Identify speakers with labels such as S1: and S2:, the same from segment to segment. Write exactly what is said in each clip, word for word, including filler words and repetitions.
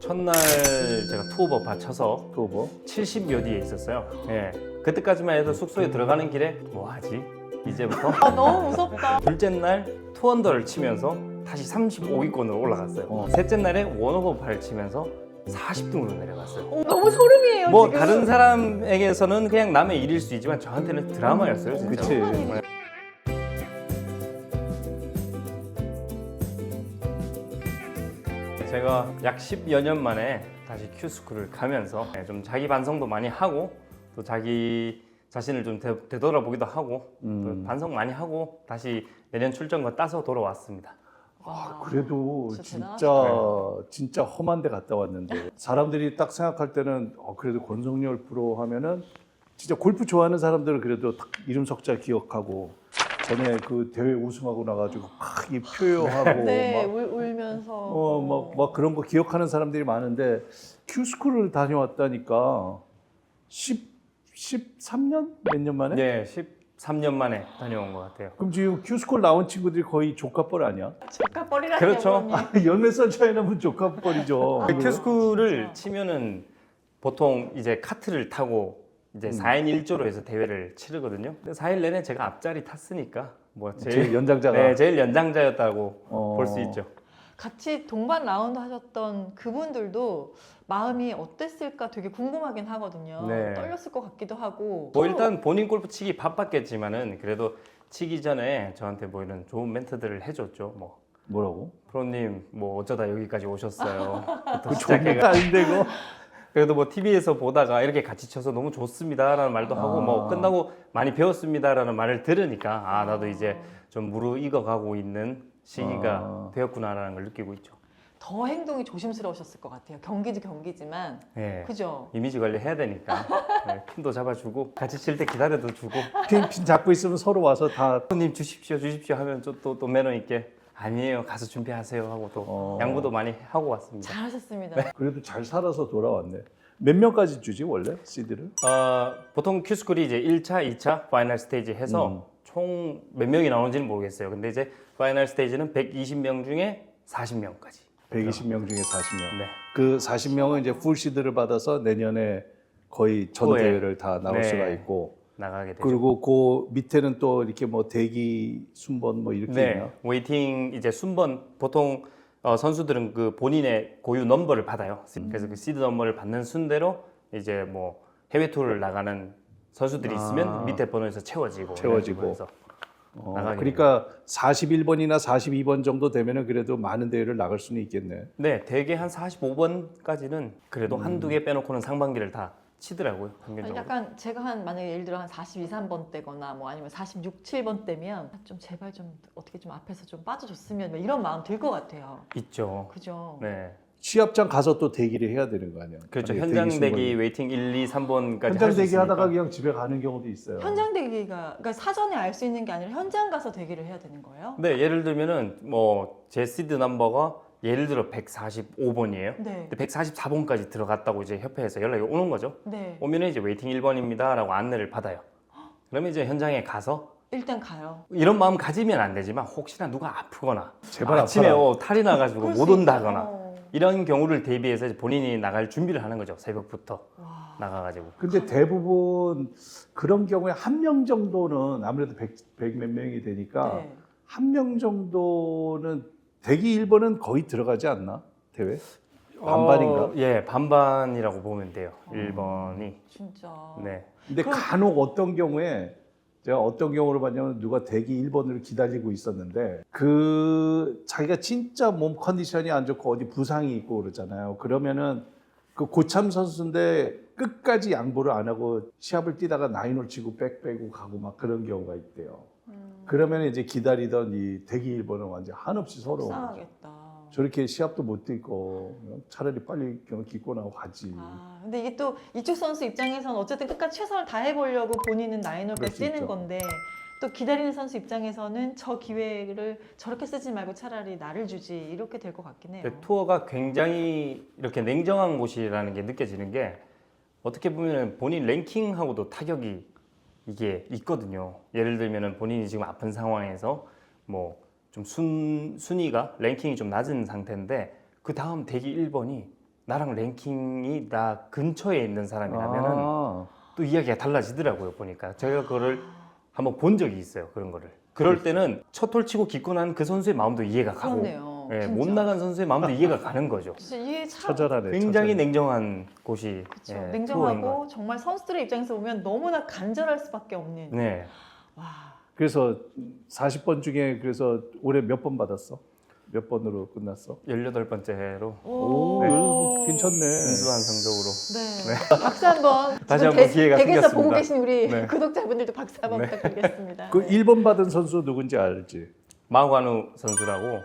S1: 첫날 제가 투어버 받쳐서
S2: 투어버?
S1: 칠십여 뒤에 있었어요. 예. 그때까지만 해도 숙소에 들어가는 길에 뭐 하지? 이제부터
S3: 아, 너무 무섭다.
S1: 둘째 날 투언더를 치면서 다시 삼십오 위권으로 올라갔어요.
S2: 어.
S1: 셋째 날에 원오버 팔을 치면서 사십 등으로 내려갔어요.
S3: 어, 너무 소름이에요.
S1: 뭐
S3: 지금.
S1: 다른 사람에게서는 그냥 남의 일일 수 있지만 저한테는 드라마였어요, 진짜.
S2: 그치.
S1: 네. 제가 약 십여 년 만에 다시 큐스쿨을 가면서 좀 자기 반성도 많이 하고 또 자기 자신을 좀 되, 되돌아보기도 하고
S2: 음.
S1: 또 반성 많이 하고 다시 내년 출전권 따서 돌아왔습니다.
S3: 와,
S2: 그래도
S3: 진짜
S2: 진짜
S3: 대단하시다.
S2: 진짜 험한 데 갔다 왔는데 사람들이 딱 생각할 때는 어, 그래도 권성열 프로 하면은 진짜 골프 좋아하는 사람들은 그래도 딱 이름 석자 기억하고 전에 그 대회 우승하고 나가지고 막 이 표효하고
S3: 네,
S2: 막
S3: 울, 울면서.
S2: 어, 막, 막 그런 거 기억하는 사람들이 많은데 큐스쿨을 다녀왔다니까 십, 십삼 년? 몇 년 만에?
S1: 네, 십삼 년 만에 다녀온 것 같아요.
S2: 그럼 지금 큐스쿨 나온 친구들이 거의 조카뻘 아니야?
S3: 조카뻘이라니.
S1: 그렇죠.
S2: 열몇 살 차이 나면 조카뻘이죠.
S1: 그 큐스쿨을
S3: 진짜.
S1: 치면은 보통 이제 카트를 타고 이제
S2: 음.
S1: 사 인 일 조로 해서 대회를 치르거든요. 근데 사 일 내내 제가 앞자리 탔으니까 뭐
S2: 제일
S1: 제일
S2: 연장자가
S1: 네, 제일 연장자였다고
S2: 어.
S1: 볼 수 있죠.
S3: 같이 동반 라운드 하셨던 그분들도 마음이 어땠을까 되게 궁금하긴 하거든요.
S1: 네.
S3: 떨렸을 것 같기도 하고.
S1: 뭐 일단 본인 골프 치기 바빴겠지만은 그래도 치기 전에 저한테 뭐 이런 좋은 멘트들을 해줬죠. 뭐
S2: 뭐라고?
S1: 프로님 뭐 어쩌다 여기까지 오셨어요.
S2: 그 좋은 거 아닌데 그거?
S1: 그래도 뭐 티비에서 보다가 이렇게 같이 쳐서 너무 좋습니다라는 말도 하고
S2: 아.
S1: 뭐 끝나고 많이 배웠습니다라는 말을 들으니까 아 나도 이제 좀 무르익어가고 있는 시기가
S2: 아.
S1: 되었구나라는 걸 느끼고 있죠.
S3: 더 행동이 조심스러우셨을 것 같아요. 경기도 경기지만.
S1: 네.
S3: 그죠?
S1: 이미지 관리 해야 되니까 네, 핀도 잡아주고 같이 칠 때 기다려도 주고
S2: 핀, 핀 잡고 있으면 서로 와서 다
S1: 손님 주십시오 주십시오 하면 또 또 매너 있게 아니에요 가서 준비하세요 하고 또
S2: 어.
S1: 양보도 많이 하고 왔습니다.
S3: 잘하셨습니다.
S2: 그래도 잘 살아서 돌아왔네. 몇 명까지 주지 원래 씨디를?
S1: 어, 보통 큐스쿨이 이제 일 차, 이 차 파이널 스테이지 해서
S2: 음.
S1: 총 몇 명이 나오는지는 모르겠어요. 근데 이제 파이널 스테이지는 백이십 명 중에 사십 명까지.
S2: 백이십 명 중에 사십 명.
S1: 네.
S2: 그 사십 명은 이제 풀 씨드를 받아서 내년에 거의 전
S1: 후에.
S2: 대회를 다 나올
S1: 네.
S2: 수가 있고
S1: 나가게 되죠.
S2: 그리고 그 밑에는 또 이렇게 뭐 대기 순번 뭐 이렇게
S1: 네,
S2: 있나?
S1: 웨이팅 이제 순번 보통 어, 선수들은 그 본인의 고유 넘버를 받아요. 그래서 그 시드 넘버를 받는 순대로 이제 뭐 해외 투어를 나가는 선수들이
S2: 아.
S1: 있으면 밑에 번호에서 채워지고
S2: 채워지고.
S1: 이런 식으로 해서
S2: 어,
S1: 나가게
S2: 그러니까 사십일 번이나 사십이 번 정도 되면은 그래도 많은 대회를 나갈 수는 있겠네.
S1: 네, 대개 한 사십오 번까지는 그래도
S2: 음.
S1: 한두 개 빼놓고는 상반기를 다 치더라고요. 평균적으로.
S3: 약간 제가 한 만약에 예를 들어 한 사십이, 삼 번 때거나 뭐 아니면 사십육, 칠 번 때면 좀 제발 좀 어떻게 좀 앞에서 좀 빠져줬으면 뭐 이런 마음 들 것 같아요.
S1: 있죠.
S3: 그죠?
S1: 네,
S2: 시합장 가서 또 대기를 해야 되는 거 아니야?
S1: 그렇죠.
S2: 아니,
S1: 현장
S2: 대기
S1: 대기
S2: 순번이.
S1: 웨이팅 일, 이, 삼 번까지
S2: 현장
S1: 할 수
S2: 대기 하다가
S1: 있으니까.
S2: 그냥 집에 가는 경우도 있어요.
S3: 현장 대기가 그러니까 사전에 알 수 있는 게 아니라 현장 가서 대기를 해야 되는 거예요?
S1: 네, 예를 들면은 뭐 제 시드 넘버가 예를 들어 백사십오 번이에요.
S3: 네.
S1: 근데 백사십사 번까지 들어갔다고 이제 협회에서 연락이 오는 거죠.
S3: 네.
S1: 오면은 이제 웨이팅 일 번입니다라고 안내를 받아요. 그러면 이제 현장에 가서
S3: 일단 가요.
S1: 이런 마음 가지면 안 되지만 혹시나 누가 아프거나
S2: 제발
S1: 아침에
S2: 아파라.
S1: 어, 탈이 나가지고
S3: 그럴
S1: 못
S3: 수
S1: 온다거나
S3: 있어요.
S1: 이런 경우를 대비해서 이제 본인이 나갈 준비를 하는 거죠. 새벽부터
S3: 와.
S1: 나가가지고.
S2: 근데 대부분 그런 경우에 한 명 정도는 아무래도 백, 백 몇 명이 되니까
S3: 네.
S2: 한 명 정도는 대기 일 번은 거의 들어가지 않나? 대회? 반반인가?
S1: 어, 예, 반반이라고 보면 돼요.
S3: 어.
S1: 일 번이.
S3: 진짜.
S1: 네.
S2: 근데
S3: 그럼-
S2: 간혹 어떤 경우에 제가 어떤 경우를 봤냐면 누가 대기 일 번을 기다리고 있었는데 그 자기가 진짜 몸 컨디션이 안 좋고 어디 부상이 있고 그러잖아요. 그러면은 그 고참 선수인데 끝까지 양보를 안 하고 시합을 뛰다가 나인홀 치고 백 빼고 가고 막 그런 경우가 있대요.
S3: 음,
S2: 그러면 이제 기다리던 이 대기 일 번은 완전 한없이 서러운 거죠.
S3: 속상하겠다.
S2: 저렇게 시합도 못 뛰고 차라리 빨리 그냥 기고 나고 가지.
S3: 아, 근데 이게 또 이쪽 선수 입장에서는 어쨌든 끝까지 최선을 다해보려고 본인은 나인홀백
S2: 그럴 수
S3: 뛰는
S2: 있죠.
S3: 건데 또 기다리는 선수 입장에서는 저 기회를 저렇게 쓰지 말고 차라리 나를 주지 이렇게 될 것 같긴 해요.
S1: 근데 투어가 굉장히 이렇게 냉정한 곳이라는 게 느껴지는 게 어떻게 보면 본인 랭킹하고도 타격이 이게 있거든요. 예를 들면 본인이 지금 아픈 상황에서 뭐 좀 순, 순위가 랭킹이 좀 낮은 상태인데 그 다음 대기 일 번이 나랑 랭킹이 나 근처에 있는 사람이라면은
S2: 아,
S1: 또 이야기가 달라지더라고요. 보니까 제가 그거를 한번 본 적이 있어요. 그런 거를. 그럴 때는 첫 홀 치고 기고 난 그 선수의 마음도 이해가 가고
S3: 그렇네요.
S1: 예,
S3: 진짜.
S1: 못 나간 선수의 마음도 이해가 가는 거죠.
S3: 진짜 이게 참
S2: 처절하네.
S1: 굉장히
S2: 처절해.
S1: 냉정한 곳이
S3: 그쵸.
S1: 예, 투어인 것
S3: 냉정하고 정말 선수들의 입장에서 보면 너무나 간절할 수밖에 없는.
S1: 네.
S3: 와.
S2: 그래서 사십 번 중에 그래서 올해 몇 번 받았어? 몇 번으로 끝났어?
S1: 열여덟 번째로
S2: 오,
S3: 오.
S2: 괜찮네.
S1: 순수한 성적으로.
S3: 네. 박수 한번.
S1: 다시
S3: 지금
S1: 한번
S3: 대-
S1: 기회가
S3: 댁에서
S1: 생겼습니다.
S3: 보고 계신 우리
S1: 네.
S3: 구독자분들도 박수 한번
S1: 네.
S3: 부탁드리겠습니다.
S2: 그
S3: 네.
S2: 일 번 받은 선수 누군지 알지?
S1: 마관우 선수라고.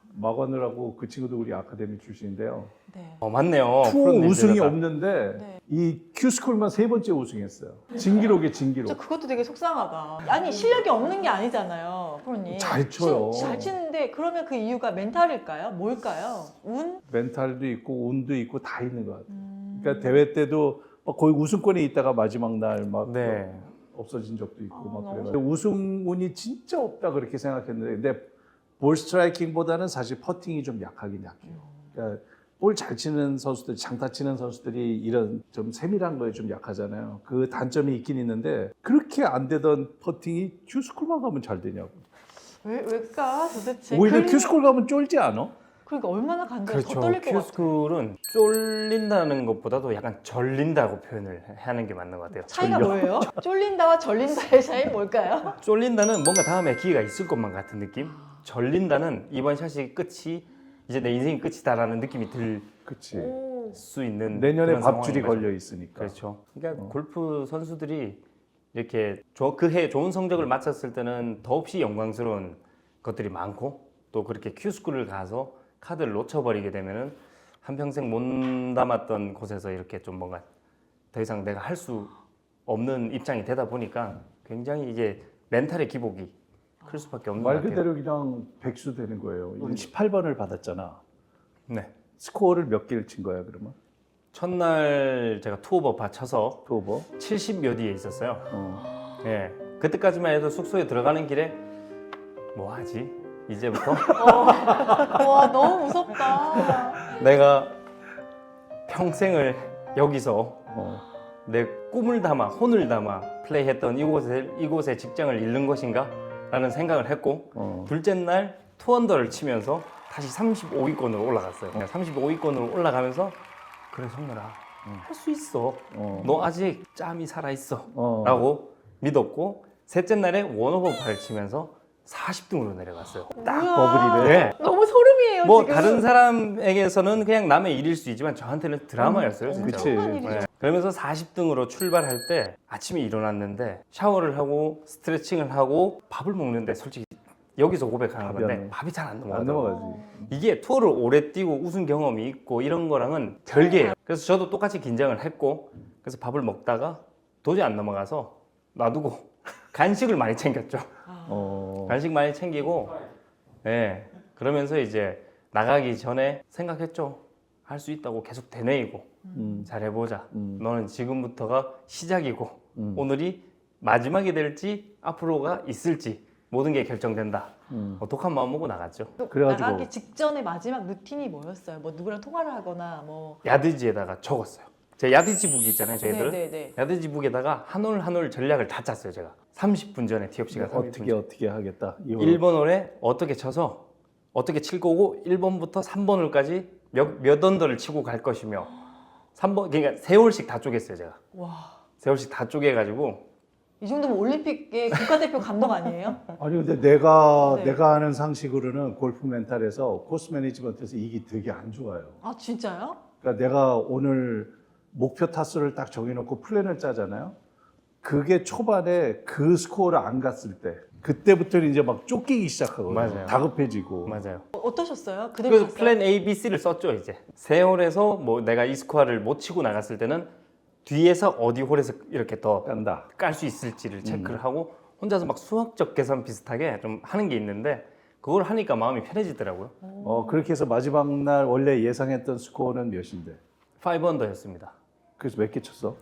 S2: 마건우라고 그 친구도 우리 아카데미 출신인데요.
S3: 네.
S1: 어, 맞네요.
S2: 투어
S1: 프로
S2: 우승이
S1: 닌자가.
S2: 없는데
S3: 네.
S2: 이 큐스쿨만 세 번째 우승했어요. 진기록에
S3: 저
S2: 진기록.
S3: 그것도 되게 속상하다. 아니 실력이 없는 게 아니잖아요, 프로님.
S2: 잘 쳐요.
S3: 치- 잘 치는데 그러면 그 이유가 멘탈일까요? 뭘까요? 운?
S2: 멘탈도 있고 운도 있고 다 있는 것 같아요.
S3: 음.
S2: 그러니까 대회 때도 막 거의 우승권에 있다가 마지막 날 막
S1: 네.
S2: 없어진 적도 있고
S3: 아,
S2: 막
S3: 너무
S2: 그래요. 우승 운이 진짜 없다 그렇게 생각했는데 근데 볼 스트라이킹보다는 사실 퍼팅이 좀 약하긴 약해요. 그러니까 볼 잘 치는 선수들, 장타 치는 선수들이 이런 좀 세밀한 거에 좀 약하잖아요. 그 단점이 있긴 있는데 그렇게 안 되던 퍼팅이 큐스쿨만 가면 잘 되냐고.
S3: 왜, 왜일까 도대체?
S2: 오히려
S3: 그림-
S2: 큐스쿨 가면 쫄지 않아?
S3: 그러니까 얼마나 간절 더
S1: 그렇죠.
S3: 떨릴 것 같아요.
S1: 큐스쿨은 쫄린다는 것보다도 약간 절린다고 표현을 하는 게 맞는 것 같아요.
S3: 차이가
S2: 졸려.
S3: 뭐예요? 쫄린다와 절린다의 차이 뭘까요?
S1: 쫄린다는 뭔가 다음에 기회가 있을 것만 같은 느낌. 절린다는 이번 샷이 끝이 이제 내 인생이 끝이다라는 느낌이 들 수
S2: 그치.
S3: 오.
S1: 있는
S2: 내년에
S1: 그런
S2: 밥줄이
S1: 상황인 거죠.
S2: 걸려 있으니까.
S1: 그렇죠. 그러니까
S2: 어.
S1: 골프 선수들이 이렇게 그 해 좋은 성적을 마쳤을 때는 더없이 영광스러운 것들이 많고 또 그렇게 큐스쿨을 가서 카드를 놓쳐버리게 되면은 한평생 못 담았던 곳에서 이렇게 좀 뭔가 더 이상 내가 할 수 없는 입장이 되다 보니까 굉장히 이게 멘탈의 기복이 클 수밖에 없는 것
S2: 말
S1: 같아요.
S2: 그대로 그냥 백수 되는 거예요. 십팔 번을 받았잖아.
S1: 네.
S2: 스코어를 몇 개를 친 거야 그러면?
S1: 첫날 제가 투오버 받쳐서
S2: 투오버?
S1: 칠십 몇 위에 있었어요.
S2: 어.
S1: 예. 그때까지만 해도 숙소에 들어가는 길에 뭐 하지? 이제부터
S3: 와 너무 무섭다.
S1: 내가 평생을 여기서
S2: 어.
S1: 내 꿈을 담아 혼을 담아 플레이했던 이곳에 이곳에 직장을 잃는 것인가? 라는 생각을 했고
S2: 어.
S1: 둘째 날 투언더를 치면서 다시 삼십오 위권으로 올라갔어요. 삼십오 위권으로 올라가면서 그래 성렬아 할 수 있어.
S2: 어.
S1: 너 아직 짬이 살아 있어.
S2: 어.
S1: 라고 믿었고 셋째 날에 원오버 팔을 치면서 사십 등으로 내려갔어요.
S2: 딱
S3: 뭐야.
S2: 버블이네.
S1: 네.
S3: 너무 소름이에요
S1: 뭐
S3: 지금.
S1: 다른 사람에게서는 그냥 남의 일일 수 있지만 저한테는 드라마였어요,
S3: 음,
S1: 진짜.
S2: 그치.
S3: 엄청난 일이죠.
S1: 네. 그러면서 사십 등으로 출발할 때 아침에 일어났는데 샤워를 하고 스트레칭을 하고 밥을 먹는데 솔직히 여기서 고백하는
S2: 밥이
S1: 건데
S2: 안
S1: 밥이 잘 안
S2: 안
S1: 넘어가더라고요.
S2: 넘어가지.
S1: 이게 투어를 오래 뛰고 우승 경험이 있고 이런 거랑은 별개예요. 그래서 저도 똑같이 긴장을 했고 그래서 밥을 먹다가 도저히 안 넘어가서 놔두고 간식을 많이 챙겼죠.
S3: 아.
S2: 어.
S1: 간식 많이 챙기고 예. 그러면서 이제 나가기 전에 생각했죠. 할 수 있다고 계속 되뇌이고
S2: 음.
S1: 잘해보자.
S2: 음.
S1: 너는 지금부터가 시작이고
S2: 음.
S1: 오늘이 마지막이 될지 앞으로가 있을지 모든 게 결정된다.
S2: 음.
S1: 어, 독한 마음 먹고 나갔죠.
S3: 또
S2: 그래가지고-
S3: 나가기 직전에 마지막 루틴이 뭐였어요? 뭐 누구랑 통화를 하거나 뭐.
S1: 야드지에다가 적었어요. 제 야드지 북이 있잖아요, 저희들.
S3: 네네네.
S1: 야드지 북에다가 한 올 한 올 전략을 다 짰어요, 제가. 삼십 분 전에 티업 시간 삼십 분
S2: 어떻게
S1: 전에.
S2: 어떻게 하겠다. 이거.
S1: 일 번 홀에 어떻게 쳐서 어떻게 칠 거고 일 번부터 삼 번 홀까지 몇, 몇 언더를 치고 갈 것이며 삼 번 그러니까 세 홀씩 다 쪼갰어요, 제가.
S3: 와.
S1: 세 홀씩 다 쪼개가지고
S3: 이 정도면 올림픽의 국가대표 감독 아니에요?
S2: 아니 근데 내가
S3: 네.
S2: 내가 아는 상식으로는 골프 멘탈에서 코스 매니지먼트에서 이게 되게 안 좋아요.
S3: 아 진짜요?
S2: 그러니까 내가 오늘 목표 타수를 딱 정해놓고 플랜을 짜잖아요. 그게 초반에 그 스코어를 안 갔을 때 그때부터는 이제 막 쫓기기 시작하거든요.
S1: 맞아요.
S2: 다급해지고.
S1: 맞아요.
S3: 어, 어떠셨어요? 그대로
S1: 그래서
S3: 갔어요?
S1: 플랜 A, B, C를 썼죠, 이제. 세 홀에서 뭐 내가 이 스코어를 못 치고 나갔을 때는 뒤에서 어디 홀에서 이렇게 더
S2: 깐다.
S1: 깔 수 있을지를
S2: 음.
S1: 체크를 하고 혼자서 막 수학적 계산 비슷하게 좀 하는 게 있는데 그걸 하니까 마음이 편해지더라고요.
S2: 어 그렇게 해서 마지막 날 원래 예상했던 스코어는 몇인데?
S1: 오 언더였습니다.
S2: 그래서 몇 개 쳤어?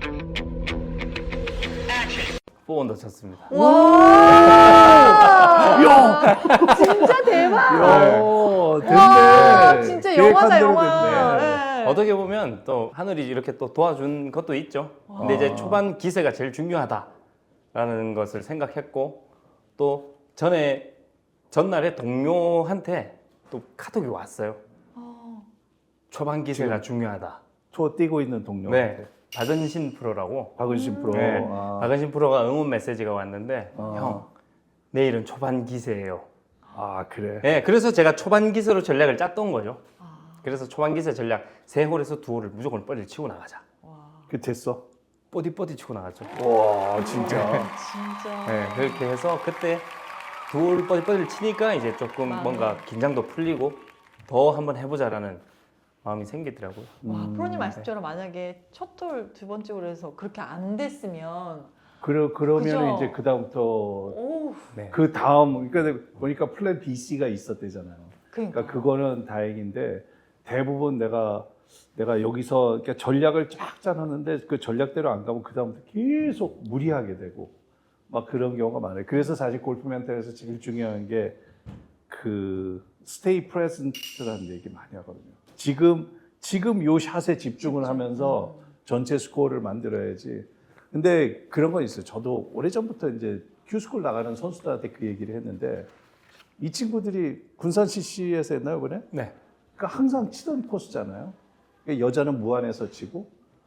S1: 사 언더 쳤습니다.
S3: 와.
S2: 야,
S3: 진짜 대박.
S2: 야, 됐네.
S3: 와, 진짜
S2: 계획한
S3: 영화다
S2: 대로
S3: 영화.
S2: 됐네.
S3: 네.
S1: 어떻게 보면 또 하늘이 이렇게 또 도와준 것도 있죠. 근데 이제
S2: 아.
S1: 초반 기세가 제일 중요하다라는 것을 생각했고 또 전에 전날에 동료한테 또 카톡이 왔어요.
S3: 어.
S1: 초반 기세가
S2: 지금?
S1: 중요하다.
S2: 초 뛰고 있는 동료.
S1: 네, 박은신 프로라고.
S2: 박은신 프로.
S1: 네,
S2: 아.
S1: 박은신 프로가 응원 메시지가 왔는데
S2: 아.
S1: 형 내일은 초반 기세예요.
S2: 아 그래.
S1: 네, 그래서 제가 초반 기세로 전략을 짰던 거죠.
S3: 아,
S1: 그래서 초반 기세 전략 세 홀에서 두 홀을 무조건 뻗이를 치고 나가자.
S3: 와,
S2: 그 됐어.
S1: 뻗이 뻗이 치고 나갔죠.
S2: 와 진짜.
S3: 진짜.
S1: 네, 그렇게 해서 그때 두 홀 뻗이 뻗이를 치니까 이제 조금
S3: 마음이.
S1: 뭔가 긴장도 풀리고 더 한번 해보자라는 마음이 생기더라고요.
S3: 와,
S2: 음.
S3: 프로님 말씀처럼 만약에 첫 홀 두 번째 홀에서 그렇게 안 됐으면
S2: 그러 그러면
S3: 그죠?
S2: 이제 그 다음부터
S3: 오,
S1: 네.
S2: 그 다음 그러니까 보니까 플랜 B, C가 있었대잖아요.
S3: 그러니까.
S2: 그러니까 그거는 다행인데 대부분 내가 내가 여기서 그러니까 전략을 쫙 짜놨는데 그 전략대로 안 가면 그 다음부터 계속 무리하게 되고 막 그런 경우가 많아요. 그래서 사실 골프 멘탈에서 제일 중요한 게 그 스테이 프레젠트라는 얘기 많이 하거든요. 지금 지금 요 샷에 집중을 하면서 전체 스코어를 만들어야지. 근데 그런 건 있어요. 저도 오래전부터 이제 큐스쿨 나가는 선수들한테 그 얘기를 했는데 이 친구들이 군산 씨씨에서 했나요, 이번에?
S1: 네.
S2: 그러니까 항상 치던 코스잖아요. 그러니까 여자는 무안에서 치고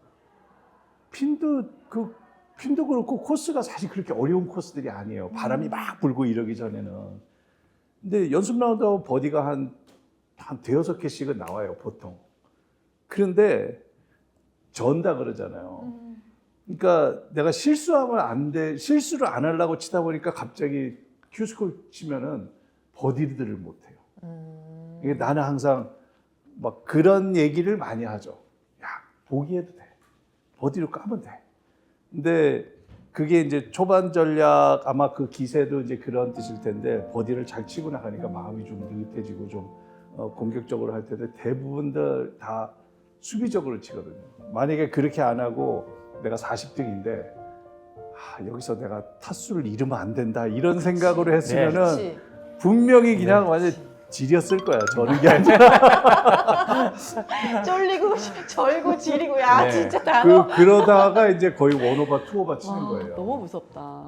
S2: 핀도 그 핀도 그렇고 코스가 사실 그렇게 어려운 코스들이 아니에요. 바람이 막 불고 이러기 전에는. 근데 연습 라운드 하면 버디가 한, 한 대여섯 개씩은 나와요, 보통. 그런데 전다 그러잖아요.
S3: 음.
S2: 그러니까 내가 실수하면 안 돼, 실수를 안 하려고 치다 보니까 갑자기 큐스콜 치면은 버디들을 못 해요.
S3: 음.
S2: 이게 나는 항상 막 그런 얘기를 많이 하죠. 야, 보기해도 돼. 버디로 까면 돼. 근데 그게 이제 초반 전략 아마 그 기세도 이제 그런 뜻일 텐데 버디를 잘 치고 나가니까 마음이 좀 느긋해지고 좀 어, 공격적으로 할 텐데 대부분들 다 수비적으로 치거든요. 만약에 그렇게 안 하고 내가 사십 등인데 아, 여기서 내가 타수를 잃으면 안 된다 이런 생각으로 했으면은
S3: 그렇지.
S2: 분명히 그냥
S1: 네.
S2: 완전 지렸을 거야. 저는 게 아니라.
S3: 쫄리고 절고 지리고 야
S1: 네.
S3: 진짜 단어.
S2: 그, 그러다가 이제 거의 원오버, 투오버 치는
S3: 와,
S2: 거예요.
S3: 너무 무섭다.